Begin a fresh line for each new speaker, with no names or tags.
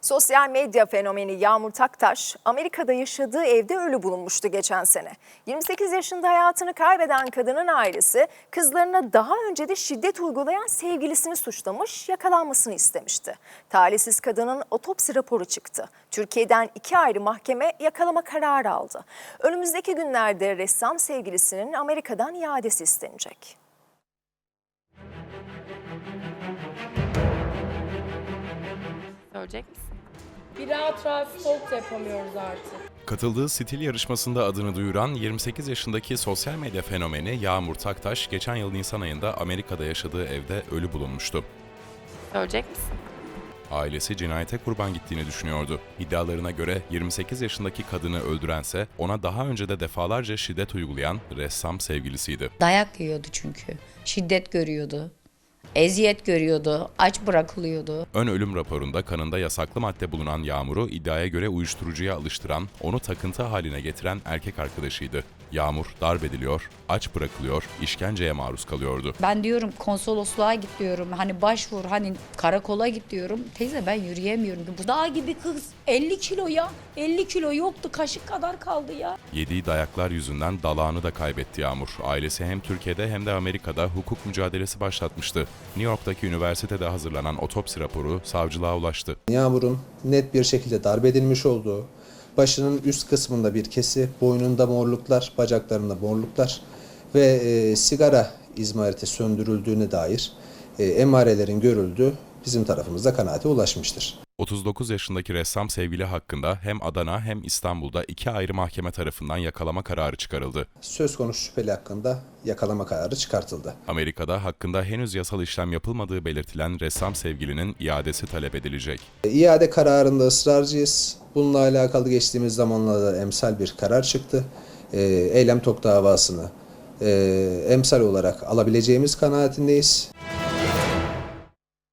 Sosyal medya fenomeni Yağmur Taktaş, Amerika'da yaşadığı evde ölü bulunmuştu geçen sene. 28 yaşında hayatını kaybeden kadının ailesi, kızlarına daha önce de şiddet uygulayan sevgilisini suçlamış, yakalanmasını istemişti. Talihsiz kadının otopsi raporu çıktı. Türkiye'den 2 ayrı mahkeme yakalama kararı aldı. Önümüzdeki günlerde ressam sevgilisinin Amerika'dan iadesi istenecek.
Söyleyecek misin?
Bir rahat rahat stalk da yapamıyoruz artık.
Katıldığı stil yarışmasında adını duyuran 28 yaşındaki sosyal medya fenomeni Yağmur Taktaş, geçen yıl Nisan ayında Amerika'da yaşadığı evde ölü bulunmuştu.
Söyleyecek misin?
Ailesi cinayete kurban gittiğini düşünüyordu. İddialarına göre 28 yaşındaki kadını öldürense ona daha önce de defalarca şiddet uygulayan ressam sevgilisiydi.
Dayak yiyordu çünkü. Şiddet görüyordu. Eziyet görüyordu. Aç bırakılıyordu.
Ön ölüm raporunda kanında yasaklı madde bulunan Yağmur'u iddiaya göre uyuşturucuya alıştıran, onu takıntı haline getiren erkek arkadaşıydı. Yağmur darp ediliyor, aç bırakılıyor, işkenceye maruz kalıyordu.
Ben diyorum konsolosluğa git diyorum. Hani başvur, hani karakola git diyorum. Teyze ben yürüyemiyorum. Bu dağ gibi kız. 50 kilo ya. 50 kilo yoktu. Kaşık kadar kaldı ya.
Yediği dayaklar yüzünden dalağını da kaybetti Yağmur. Ailesi hem Türkiye'de hem de Amerika'da hukuk mücadelesi başlatmıştı. New York'taki üniversitede hazırlanan otopsi raporu savcılığa ulaştı.
Yağmur'un net bir şekilde darp edilmiş olduğu, başının üst kısmında bir kesi, boynunda morluklar, bacaklarında morluklar ve sigara izmariti söndürüldüğüne dair emarelerin görüldüğü bizim tarafımızda kanaate ulaşmıştır.
39 yaşındaki ressam sevgili hakkında hem Adana hem İstanbul'da 2 ayrı mahkeme tarafından yakalama kararı çıkarıldı.
Söz konusu şüpheli hakkında yakalama kararı çıkartıldı.
Amerika'da hakkında henüz yasal işlem yapılmadığı belirtilen ressam sevgilinin iadesi talep edilecek.
İade kararında ısrarcıyız. Bununla alakalı geçtiğimiz zamanlarda emsal bir karar çıktı. Eylem Tok davasını emsal olarak alabileceğimiz kanaatindeyiz.